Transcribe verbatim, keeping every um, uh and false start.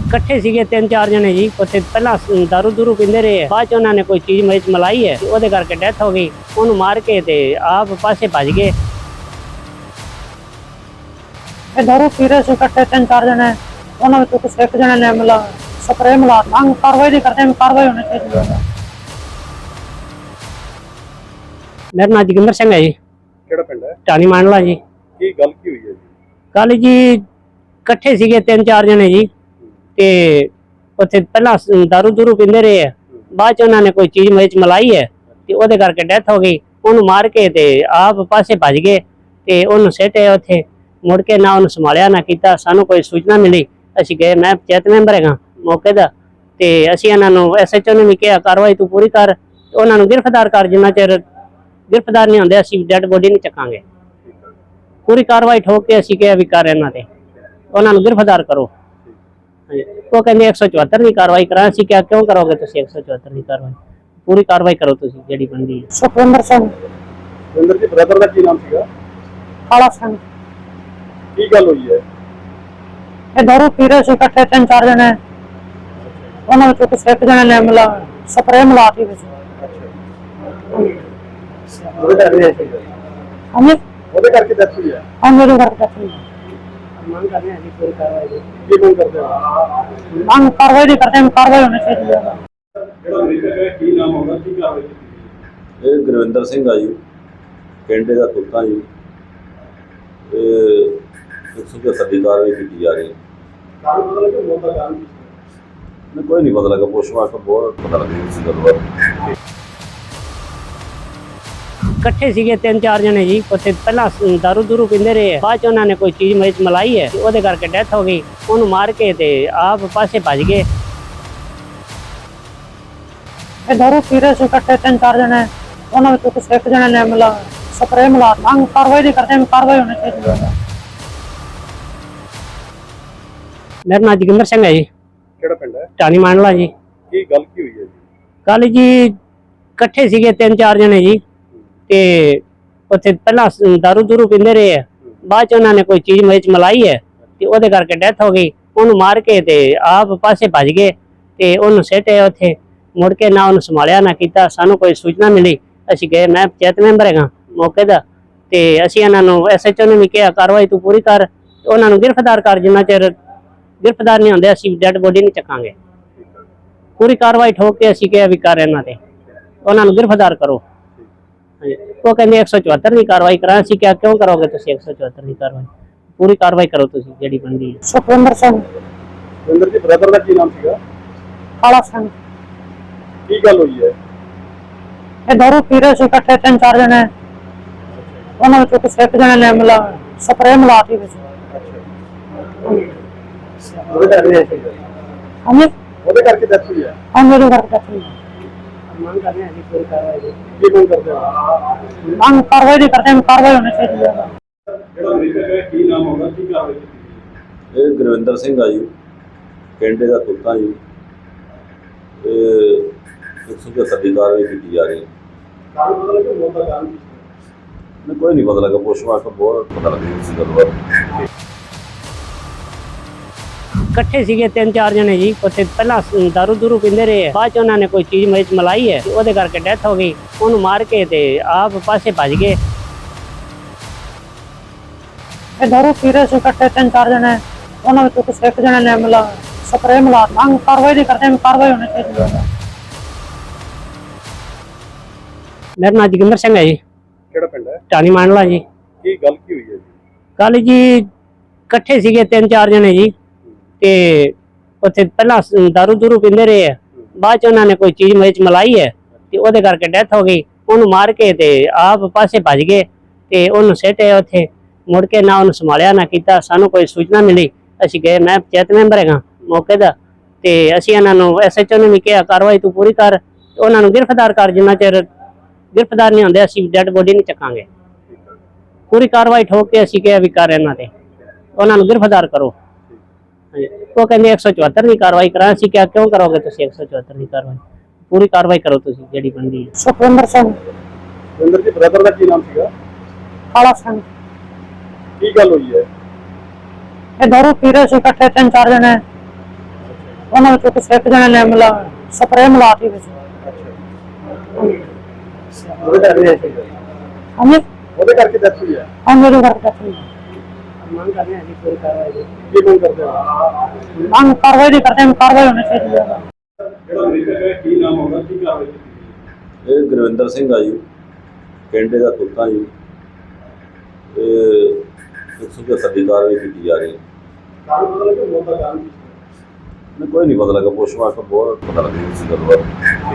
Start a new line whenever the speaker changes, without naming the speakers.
ਇਕੱਠੇ ਸੀਗੇ ਤਿੰਨ ਚਾਰ ਜਣੇ ਜੀ। ਉੱਥੇ ਪਹਿਲਾਂ ਦਾਰੂ ਦੂਰੂ ਪੀਂਦੇ ਰਹੇ, ਬਾਅਦ ਚ ਉਹਨਾਂ ਨੇ ਕੋਈ ਚੀਜ਼ ਮਿਰਚ ਮਲਾਈ ਹੈ, ਉਹਦੇ ਕਰਕੇ ਡੈਥ ਹੋ ਗਈ। ਉਹਨੂੰ ਮਾਰ ਕੇ ਤੇ ਆਪ ਪਾਸੇ ਭੱਜ ਗਏ।
ਇਹ ਦਾਰੂ ਪੀ ਰਹੇ ਸੀ ਇਕੱਠੇ ਤਿੰਨ ਚਾਰ ਜਣੇ, ਉਹਨਾਂ ਵਿੱਚੋਂ ਕਿਸੇ ਇੱਕ ਜਣੇ ਨੇ ਮਿਲਾ ਸਪਰੇ ਮਿਲਾ ਮੰਗ ਕਾਰਵਾਈ ਨਹੀਂ ਕਰਦੇ, ਕਾਰਵਾਈ ਹੋਣੀ ਚਾਹੀਦੀ ਹੈ।
ਮੇਰਾ ਨਾਮ ਜੋਗਿੰਦਰ ਸਿੰਘ ਹੈ ਜੀ।
ਕਿਹੜਾ ਪਿੰਡ ਹੈ?
ਟਾਣੀ ਮਾਂਡਲਾ ਜੀ।
ਕੀ ਗੱਲ ਕੀ ਹੋਈ ਹੈ ਜੀ?
ਕੱਲ ਜੀ ਇਕੱਠੇ ਸੀਗੇ ਤਿੰਨ ਚਾਰ ਜਣੇ ਜੀ, ਤੇ ਉੱਥੇ ਪਹਿਲਾਂ ਦਾਰੂ ਦੂਰੂ ਪੀਂਦੇ ਰਹੇ, ਬਾਅਦ ਚ ਉਹਨਾਂ ਨੇ ਕੋਈ ਚੀਜ਼ ਮਿਰਚ ਮਲਾਈ ਹੈ, ਤੇ ਉਹਦੇ ਕਰਕੇ ਡੈਥ ਹੋ ਗਈ। ਉਹਨੂੰ ਮਾਰ ਕੇ ਤੇ ਆਪ ਪਾਸੇ ਭੱਜ ਗਏ, ਤੇ ਉਹਨੂੰ ਸਿੱਟੇ ਉੱਥੇ। ਮੁੜ ਕੇ ਨਾ ਉਹਨੂੰ ਸੰਭਾਲਿਆ ਨਾ ਕੀਤਾ। ਸਾਨੂੰ ਕੋਈ ਸੂਚਨਾ ਮਿਲੀ, ਅਸੀਂ ਗਏ, ਮੈਂ ਪੰਚਾਇਤ ਮੈਂਬਰ ਹੈਗਾ ਮੌਕੇ ਦਾ, ਤੇ ਅਸੀਂ ਇਹਨਾਂ ਨੂੰ ਐਸ ਐਚ ਓ ਨੂੰ ਵੀ ਕਿਹਾ ਕਾਰਵਾਈ ਤੂੰ ਪੂਰੀ ਕਰ, ਉਹਨਾਂ ਨੂੰ ਗ੍ਰਿਫਤਾਰ ਕਰ। ਜਿੰਨਾ ਚਿਰ ਗ੍ਰਿਫਤਾਰ ਨਹੀਂ ਹੁੰਦੇ ਅਸੀਂ ਡੈਡ ਬੋਡੀ ਨਹੀਂ ਚੱਕਾਂਗੇ। ਪੂਰੀ ਕਾਰਵਾਈ ਠੋਕ ਕੇ ਅਸੀਂ ਕਿਹਾ ਵੀ ਕਰ ਇਹਨਾਂ ਤੇ, ਉਹਨਾਂ ਨੂੰ ਗ੍ਰਿਫਤਾਰ ਕਰੋ। ਉਹ ਕਹਿੰਦੇ ਇੱਕ ਸੌ ਚੁਹੱਤਰ ਦੀ ਕਾਰਵਾਈ ਕਰਾਂ। ਅਸੀਂ ਕਿਹਾ ਕਿਉਂ ਕਰੋਗੇ ਤੁਸੀਂ ਇੱਕ ਸੌ ਚੁਹੱਤਰ ਦੀ ਕਾਰਵਾਈ? ਪੂਰੀ ਕਾਰਵਾਈ ਕਰੋ ਤੁਸੀਂ ਜਿਹੜੀ ਬਣਦੀ ਹੈ।
ਸੁਖਵਿੰਦਰ ਸਿੰਘ।
ਸੁਖਵਿੰਦਰ ਜੀ ਬ੍ਰਦਰ ਦਾ ਕੀ ਨਾਮ ਸੀਗਾ?
ਕਾਲਾ ਸਿੰਘ।
ਕੀ ਗੱਲ ਹੋਈ ਹੈ?
ਇਹ ਦਾਰੂ ਪੀ ਰਹੇ ਸੀ ਇਕੱਠੇ ਤਿੰਨ ਚਾਰ ਜਣੇ, ਉਹਨਾਂ ਵਿੱਚੋਂ ਕਿਸੇ ਇੱਕ ਜਣੇ ਨੇ ਮਿਲਾ ਸਪਰੇ ਮਿਲਾਤੀ ਵਿੱਚ।
ਉਹਦੇ ਕਰਕੇ
ਹਾਂਜੀ
ਉਹਦੇ ਕਰਕੇ ਡੈਥ ਹੋਈ ਹੈ।
ਹਾਂ ਮੇਰੇ ਘਰ ਦਾ ਸੀ।
ਮੰਗ ਕਰਨੇ ਅਸੀਂ ਪੂਰੀ ਕਾਰਵਾਈ ਦੀ।
ਕੀ ਮੰਗ ਕਰਦੇ ਹੋ?
ਮੰਗ ਕਾਰਵਾਈ ਨਹੀਂ ਕਰਦੇ, ਕਾਰਵਾਈ ਹੋਣੀ ਚਾਹੀਦੀ ਹੈ।
ਜਿਹੜਾ ਮਰੀਜ਼ ਹੈ ਕੀ ਨਾਮ ਹੋਗਾ, ਕੀ ਕਾਰਵਾਈ ਕੀਤੀ?
ਇਹ ਗੁਰਵਿੰਦਰ ਸਿੰਘ ਆ ਜੀ, ਪਿੰਡ ਦਾ ਤੁਲਤਾ ਜੀ। ਇਹ ਇੱਕ ਸੌ ਚੁਹੱਤਰ ਦੀ ਕਾਰਵਾਈ ਕੀਤੀ ਜਾ ਰਹੀ ਹੈ।
ਕਾਰਨ ਪਤਾ ਲੱਗਾ ਮੌਤ ਦਾ ਕਾਰਨ?
ਮੈਨੂੰ ਕੋਈ ਨਹੀਂ ਪਤਾ ਲੱਗਾ, ਪੋਸਟਮਾਰਟਮ ਬਹੁਤ ਪਤਾ ਲੱਗਾ ਇਸ ਗੱਲ ਬਾਰੇ।
ਇਕੱਠੇ ਸੀਗੇ ਤਿੰਨ ਚਾਰ ਜਣੇ ਜੀ। ਉੱਥੇ ਪਹਿਲਾਂ ਦਾਰੂ ਦੂਰੂ ਪੀਂਦੇ ਰਹੇ, ਬਾਅਦ ਚ ਉਹਨਾਂ ਨੇ ਕੋਈ ਚੀਜ਼ ਮਿਰਚ ਮਲਾਈ ਹੈ, ਤੇ ਉਹਦੇ ਕਰਕੇ ਡੈਥ ਹੋ ਗਈ। ਉਹਨੂੰ ਮਾਰ ਕੇ ਤੇ ਆਪ ਪਾਸੇ ਭੱਜ ਗਏ।
ਇਹ ਦਾਰੂ ਪੀ ਰਹੇ ਸੀ ਇਕੱਠੇ ਤਿੰਨ ਚਾਰ ਜਣੇ, ਉਹਨਾਂ ਵਿੱਚੋਂ ਕਿਸੇ ਇੱਕ ਜਣੇ ਨੇ ਮਿਲਾ ਸਪਰੇ ਮਿਲਾ ਮੰਗ ਕਾਰਵਾਈ ਨਹੀਂ ਕਰਦੇ, ਕਾਰਵਾਈ ਹੋਣੀ ਚਾਹੀਦੀ ਹੈ।
ਮੇਰਾ ਨਾਮ ਜੋਗਿੰਦਰ ਸਿੰਘ ਹੈ ਜੀ।
ਕਿਹੜਾ ਪਿੰਡ ਹੈ?
ਟਾਣੀ ਮਾਂਡਲਾ ਜੀ।
ਕੀ ਗੱਲ ਕੀ ਹੋਈ ਹੈ ਜੀ?
ਕੱਲ ਜੀ ਇਕੱਠੇ ਸੀਗੇ ਤਿੰਨ ਚਾਰ ਜਣੇ ਜੀ, ਤੇ ਉੱਥੇ ਪਹਿਲਾਂ ਦਾਰੂ ਦੂਰੂ ਪੀਂਦੇ ਰਹੇ, ਬਾਅਦ ਚ ਉਹਨਾਂ ਨੇ ਕੋਈ ਚੀਜ਼ ਮਿਰਚ ਮਲਾਈ ਹੈ, ਤੇ ਉਹਦੇ ਕਰਕੇ ਡੈਥ ਹੋ ਗਈ। ਉਹਨੂੰ ਮਾਰ ਕੇ ਤੇ ਆਪ ਪਾਸੇ ਭੱਜ ਗਏ, ਤੇ ਉਹਨੂੰ ਸਿੱਟੇ ਉੱਥੇ। ਮੁੜ ਕੇ ਨਾ ਉਹਨੂੰ ਸੰਭਾਲਿਆ ਨਾ ਕੀਤਾ। ਸਾਨੂੰ ਕੋਈ ਸੂਚਨਾ ਮਿਲੀ, ਅਸੀਂ ਗਏ, ਮੈਂ ਪੰਚਾਇਤ ਮੈਂਬਰ ਹੈਗਾ ਮੌਕੇ ਦਾ, ਤੇ ਅਸੀਂ ਇਹਨਾਂ ਨੂੰ ਐਸ ਐਚ ਓ ਨੂੰ ਵੀ ਕਿਹਾ ਕਾਰਵਾਈ ਤੂੰ ਪੂਰੀ ਕਰ, ਉਹਨਾਂ ਨੂੰ ਗ੍ਰਿਫਤਾਰ ਕਰ। ਜਿੰਨਾ ਚਿਰ ਗ੍ਰਿਫਤਾਰ ਨਹੀਂ ਹੁੰਦੇ ਅਸੀਂ ਡੈਡ ਬੋਡੀ ਨਹੀਂ ਚੱਕਾਂਗੇ। ਪੂਰੀ ਕਾਰਵਾਈ ਠੋਕ ਕੇ ਅਸੀਂ ਕਿਹਾ ਵੀ ਕਰ ਇਹਨਾਂ ਤੇ, ਉਹਨਾਂ ਨੂੰ ਗ੍ਰਿਫਤਾਰ ਕਰੋ। ਉਹ ਕਹਿੰਦੇ ਇੱਕ ਸੌ ਚੁਹੱਤਰ ਦੀ ਕਾਰਵਾਈ ਕਰਾਂ। ਅਸੀਂ ਕਿਹਾ ਕਿਉਂ ਕਰੋਗੇ ਤੁਸੀਂ ਇੱਕ ਸੌ ਚੁਹੱਤਰ ਦੀ ਕਾਰਵਾਈ? ਪੂਰੀ ਕਾਰਵਾਈ ਕਰੋ ਤੁਸੀਂ ਜਿਹੜੀ ਬਣਦੀ ਹੈ।
ਸੁਖਵਿੰਦਰ ਸਿੰਘ।
ਸੁਖਵਿੰਦਰ ਜੀ ਬ੍ਰਦਰ ਦਾ ਕੀ ਨਾਮ ਸੀਗਾ?
ਕਾਲਾ ਸਿੰਘ।
ਕੀ ਗੱਲ ਹੋਈ ਹੈ?
ਇਹ ਦਾਰੂ ਪੀ ਰਹੇ ਸੀ ਇਕੱਠੇ ਤਿੰਨ ਚਾਰ ਜਣੇ, ਉਹਨਾਂ ਵਿੱਚੋਂ ਕਿਸੇ ਇੱਕ ਜਣੇ ਨੇ ਮਿਲਾ ਸਪਰੇ ਮਿਲਾਤੀ ਵਿੱਚ।
ਉਹਦੇ ਕਰਕੇ
ਹਾਂਜੀ
ਉਹਦੇ ਕਰਕੇ ਡੈਥ ਹੋਈ ਹੈ।
ਹਾਂ ਮੇਰੇ ਘਰ ਦਾ ਸੀ।
ਮੰਗ ਕਰਨੇ ਅਸੀਂ ਪੂਰੀ ਕਾਰਵਾਈ ਦੀ।
ਕੀ ਮੰਗ ਕਰਦੇ ਹੋ?
ਮੰਗ ਕਾਰਵਾਈ ਨਹੀਂ ਕਰਦੇ, ਕਾਰਵਾਈ ਹੋਣੀ ਚਾਹੀਦੀ ਹੈ।
ਜਿਹੜਾ ਮਰੀਜ਼ ਹੈ ਕੀ ਨਾਮ ਹੋਗਾ, ਕੀ ਕਾਰਵਾਈ ਕੀਤੀ?
ਇਹ ਗੁਰਵਿੰਦਰ ਸਿੰਘ ਆ ਜੀ, ਪਿੰਡ ਦਾ ਤੁਲਤਾ ਜੀ। ਇਹ ਇੱਕ ਸੌ ਚੁਹੱਤਰ ਦੀ ਕਾਰਵਾਈ ਕੀਤੀ ਜਾ ਰਹੀ ਹੈ।
ਕਾਰਨ ਪਤਾ ਲੱਗਾ ਮੌਤ ਦਾ ਕਾਰਨ?
ਮੈਨੂੰ ਕੋਈ ਨਹੀਂ ਪਤਾ ਲੱਗਾ, ਪੋਸਟਮਾਰਟਮ ਬਹੁਤ ਪਤਾ ਲੱਗਾ ਇਸ ਗੱਲ ਬਾਰੇ।
ਇਕੱਠੇ ਸੀਗੇ ਤਿੰਨ ਚਾਰ ਜਣੇ ਜੀ। ਉੱਥੇ ਪਹਿਲਾਂ ਦਾਰੂ ਦੂਰੂ ਪੀਂਦੇ ਰਹੇ, ਬਾਅਦ ਚ ਉਹਨਾਂ ਨੇ ਕੋਈ ਚੀਜ਼ ਮਿਰਚ ਮਲਾਈ ਹੈ, ਤੇ ਉਹਦੇ ਕਰਕੇ ਡੈਥ ਹੋ ਗਈ। ਉਹਨੂੰ ਮਾਰ ਕੇ ਤੇ ਆਪ ਪਾਸੇ ਭੱਜ ਗਏ।
ਇਹ ਦਾਰੂ ਪੀ ਰਹੇ ਸੀ ਇਕੱਠੇ ਤਿੰਨ ਚਾਰ ਜਣੇ, ਉਹਨਾਂ ਵਿੱਚੋਂ ਕਿਸੇ ਇੱਕ ਜਣੇ ਨੇ ਮਿਲਾ ਸਪਰੇ ਮਿਲਾ ਮੰਗ ਕਾਰਵਾਈ ਨਹੀਂ ਕਰਦੇ, ਕਾਰਵਾਈ ਹੋਣੀ ਚਾਹੀਦੀ ਹੈ।
ਮੇਰਾ ਨਾਮ ਜੋਗਿੰਦਰ ਸਿੰਘ ਹੈ ਜੀ।
ਕਿਹੜਾ ਪਿੰਡ ਹੈ?
ਟਾਣੀ ਮਾਂਡਲਾ ਜੀ।
ਕੀ ਗੱਲ ਕੀ ਹੋਈ ਹੈ ਜੀ?
ਕੱਲ ਜੀ ਇਕੱਠੇ ਸੀਗੇ ਤਿੰਨ ਚਾਰ ਜਣੇ ਜੀ, ਤੇ ਉੱਥੇ ਪਹਿਲਾਂ ਦਾਰੂ ਦੂਰੂ ਪੀਂਦੇ ਰਹੇ, ਬਾਅਦ ਚ ਉਹਨਾਂ ਨੇ ਕੋਈ ਚੀਜ਼ ਮਿਰਚ ਮਲਾਈ ਹੈ, ਤੇ ਉਹਦੇ ਕਰਕੇ ਡੈਥ ਹੋ ਗਈ। ਉਹਨੂੰ ਮਾਰ ਕੇ ਤੇ ਆਪ ਪਾਸੇ ਭੱਜ ਗਏ, ਤੇ ਉਹਨੂੰ ਸਿੱਟੇ ਉੱਥੇ। ਮੁੜ ਕੇ ਨਾ ਉਹਨੂੰ ਸੰਭਾਲਿਆ ਨਾ ਕੀਤਾ। ਸਾਨੂੰ ਕੋਈ ਸੂਚਨਾ ਮਿਲੀ, ਅਸੀਂ ਗਏ, ਮੈਂ ਪੰਚਾਇਤ ਮੈਂਬਰ ਹੈਗਾ ਮੌਕੇ ਦਾ, ਤੇ ਅਸੀਂ ਇਹਨਾਂ ਨੂੰ ਐਸ ਐਚ ਓ ਨੂੰ ਵੀ ਕਿਹਾ ਕਾਰਵਾਈ ਤੂੰ ਪੂਰੀ ਕਰ, ਉਹਨਾਂ ਨੂੰ ਗ੍ਰਿਫਤਾਰ ਕਰ। ਜਿੰਨਾ ਚਿਰ ਗ੍ਰਿਫਤਾਰ ਨਹੀਂ ਹੁੰਦੇ ਅਸੀਂ ਡੈਡ ਬੋਡੀ ਨਹੀਂ ਚੱਕਾਂਗੇ। ਪੂਰੀ ਕਾਰਵਾਈ ਠੋਕ ਕੇ ਅਸੀਂ ਕਿਹਾ ਵੀ ਕਰ ਇਹਨਾਂ ਤੇ, ਉਹਨਾਂ ਨੂੰ ਗ੍ਰਿਫਤਾਰ ਕਰੋ। ਉਹ ਕਹਿੰਦੇ ਇੱਕ ਸੌ ਚੁਹੱਤਰ ਦੀ ਕਾਰਵਾਈ ਕਰਾਂ। ਅਸੀਂ ਕਿਹਾ ਕਿਉਂ ਕਰੋਗੇ ਤੁਸੀਂ ਇੱਕ ਸੌ ਚੁਹੱਤਰ ਦੀ ਕਾਰਵਾਈ? ਪੂਰੀ ਕਾਰਵਾਈ ਕਰੋ ਤੁਸੀਂ ਜਿਹੜੀ ਬਣਦੀ ਹੈ।
ਸੁਖਵਿੰਦਰ ਸਿੰਘ।
ਸੁਖਵਿੰਦਰ ਜੀ ਬ੍ਰਦਰ ਦਾ ਕੀ ਨਾਮ ਸੀਗਾ?
ਕਾਲਾ ਸਿੰਘ।
ਕੀ ਗੱਲ ਹੋਈ ਹੈ?
ਇਹ ਦਾਰੂ ਪੀ ਰਹੇ ਸੀ ਇਕੱਠੇ ਤਿੰਨ ਚਾਰ ਜਣੇ, ਉਹਨਾਂ ਵਿੱਚੋਂ ਕਿਸੇ ਇੱਕ ਜਣੇ ਨੇ ਮਤਲਬ ਸਪਰੇਅ ਮਿਲਾਤੀ ਵਿੱਚ।
ਉਹਦੇ ਕਰਕੇ ਹੋਇਆ ਸੀ।
ਹਾਂਜੀ
ਉਹਦੇ ਕਰਕੇ ਡੈਥ ਹੋਈ ਹੈ।
ਹਾਂ ਮੇਰੇ ਘਰ ਤੱਕ
ਮੰਗ ਕਰਨੇ ਆ ਜੀ ਪੂਰੀ ਕਾਰਵਾਈ ਦੀ।
ਕੀ ਮੰਗ ਕਰਦੇ ਹੋ?
ਮੰਗ ਕਾਰਵਾਈ ਦੀ ਕਰਦੇ ਹਾਂ, ਕਾਰਵਾਈ ਹੋਣੀ ਚਾਹੀਦੀ ਹੈ।
ਜਿਹੜਾ ਮ੍ਰਿਤਕ ਹੈ ਕੀ ਨਾਮ ਹੋਗਾ, ਕੀ ਕਾਰਵਾਈ ਕੀਤੀ?
ਇਹ ਗੁਰਵਿੰਦਰ ਸਿੰਘ ਆ ਜੀ, ਪਿੰਡ ਦਾ ਤੁਲਤਾ ਜੀ। ਇਹ ਇੱਕ ਸੌ ਪਝੱਤਰ ਦੀ ਕਾਰਵਾਈ ਕੀਤੀ ਜਾ ਰਹੀ ਹੈ।
ਕਾਰਨ ਪਤਾ ਲੱਗਿਆ ਮੌਤ ਦਾ ਕਾਰਨ ਕੀ ਸੀ?
ਮੈਨੂੰ ਕੋਈ ਨਹੀਂ ਪਤਾ ਲੱਗਾ, ਪੋਸਟਮਾਰਟਮ ਬਹੁਤ ਪਤਾ ਲੱਗਿਆ ਇਸ ਗੱਲ ਬਾਰੇ।